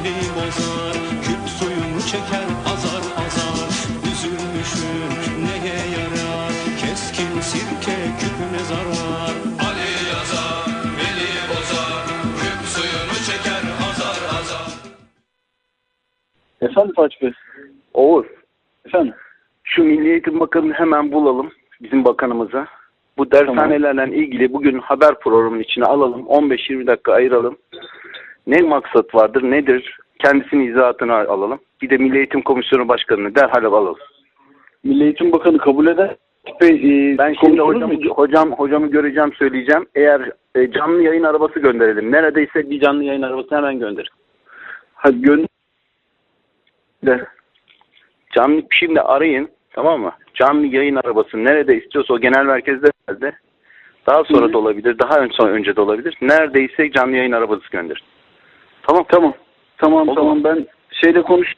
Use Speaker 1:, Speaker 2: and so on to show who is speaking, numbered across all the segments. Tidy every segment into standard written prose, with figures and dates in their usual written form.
Speaker 1: beni bozar, küp suyunu çeker azar azar. Üzülmüşüm neye yarar, keskin sirke küpüne zarar. Ali yazar, beni bozar, küp suyunu çeker azar azar.
Speaker 2: Efendim Fatih Bey?
Speaker 3: Oğuz,
Speaker 2: Efendim?
Speaker 3: şu Milli Eğitim Bakanı'nı hemen bulalım, bizim bakanımıza. Bu dershanelerle ilgili bugün haber programının içine alalım. 15-20 dakika ayıralım. Ne maksat vardır, nedir? Kendisinin izahatını alalım. Bir de Milli Eğitim Komisyonu Başkanı'nı derhal alalım.
Speaker 2: Milli Eğitim Bakanı kabul eder.
Speaker 3: Ben şimdi hocamı göreceğim, söyleyeceğim. Eğer canlı yayın arabası gönderelim. Neredeyse bir canlı yayın arabası hemen gönder.
Speaker 2: Hadi gönder.
Speaker 3: Şimdi arayın, tamam mı? Canlı yayın arabası nerede istiyorsa o genel merkezde nerede? Daha sonra da olabilir, daha önce de olabilir. Neredeyse canlı yayın arabası gönderin. Tamam.
Speaker 2: Tamam ben şeyle konuş.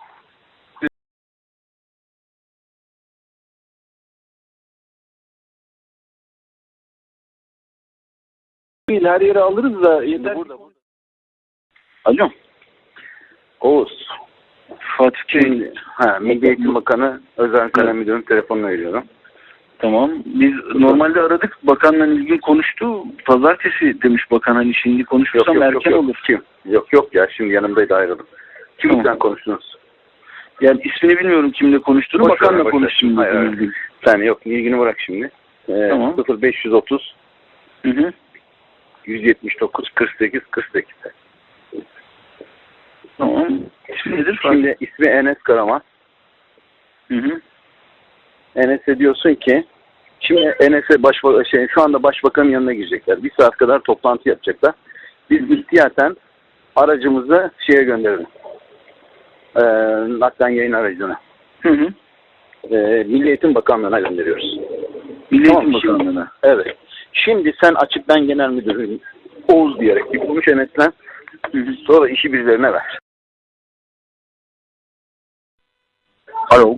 Speaker 2: Her yere alırız da yeter.
Speaker 3: Burada.
Speaker 2: Alo.
Speaker 3: Oğuz.
Speaker 2: Fatih Bey.
Speaker 3: Şimdi, Milli Eğitim Bakanı Özel Kalem Müdürü'nün telefonunu veriyorum.
Speaker 2: Tamam. Biz normalde aradık. Bakanla ilgili konuştu. Pazartesi demiş bakan, hani şimdi konuşursam erken olur.
Speaker 3: Kim? Yok ya, şimdi yanımdaydı, ayrıldım. Kimle konuştunuz?
Speaker 2: Yani ismini bilmiyorum kimle konuştuğunu. Bakanla konuştum.
Speaker 3: Hayır. Sen yok, ilgini bırak şimdi.
Speaker 2: Tamam.
Speaker 3: 0530
Speaker 2: Hı.
Speaker 3: 179 48 48.
Speaker 2: Tamam. İsmi nedir?
Speaker 3: Şimdi ismi Enes Karaman.
Speaker 2: Hı.
Speaker 3: Enes'e diyorsun ki, şimdi Enes'e şu anda başbakanın yanına girecekler. Bir saat kadar toplantı yapacaklar. Biz ihtiyaten aracımızı gönderelim. Naklen yayın aracına.
Speaker 2: Hı.
Speaker 3: Milli Eğitim Bakanlığı'na gönderiyoruz.
Speaker 2: Milli
Speaker 3: Tamam,
Speaker 2: Eğitim Bakanlığı'na.
Speaker 3: Evet. Şimdi sen açıktan genel müdürün Oğuz diyerek bir konuş Enes'le. Sonra işi birilerine ver. Alo.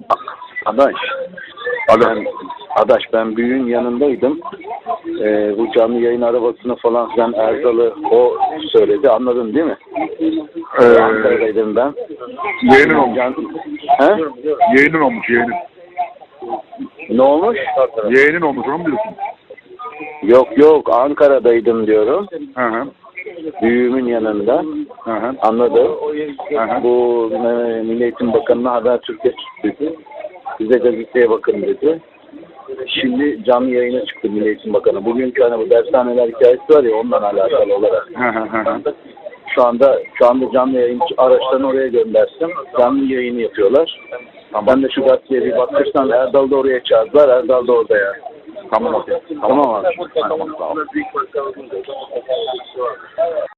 Speaker 3: Adaş ben büyüğün yanındaydım. Bu canlı yayın arabasını falan filan Erdal'ı o söyledi. Anladın değil mi? Ankara'daydım ben.
Speaker 4: Yeğenin olmuş.
Speaker 3: He?
Speaker 4: Yeğenin olmuş, yeğenin.
Speaker 3: Ne olmuş?
Speaker 4: Yeğenin olmuş, onu mu diyorsun?
Speaker 3: Yok Ankara'daydım diyorum.
Speaker 4: Hı.
Speaker 3: Büyüğümün yanında.
Speaker 4: Hı.
Speaker 3: Anladım.
Speaker 4: Hı.
Speaker 3: Bu Milli Eğitim Bakanı'na Habertürk'e çıktı. Bize gazeteye bakın dedi. Şimdi canlı yayına çıktı Milli Eğitim Bakanı. Bugünkü bu dershaneler hikayesi var ya, ondan alakalı olarak.
Speaker 4: Hı.
Speaker 3: Şu anda canlı yayın araçlarını oraya göndersin. Canlı yayını yapıyorlar.
Speaker 4: Tamam.
Speaker 3: Ben de şu gazeteye bir bakırsan Erdal da oraya çağırdılar. Erdal da orada ya.
Speaker 4: Tamam.
Speaker 3: Tamam abi.
Speaker 4: Tamam.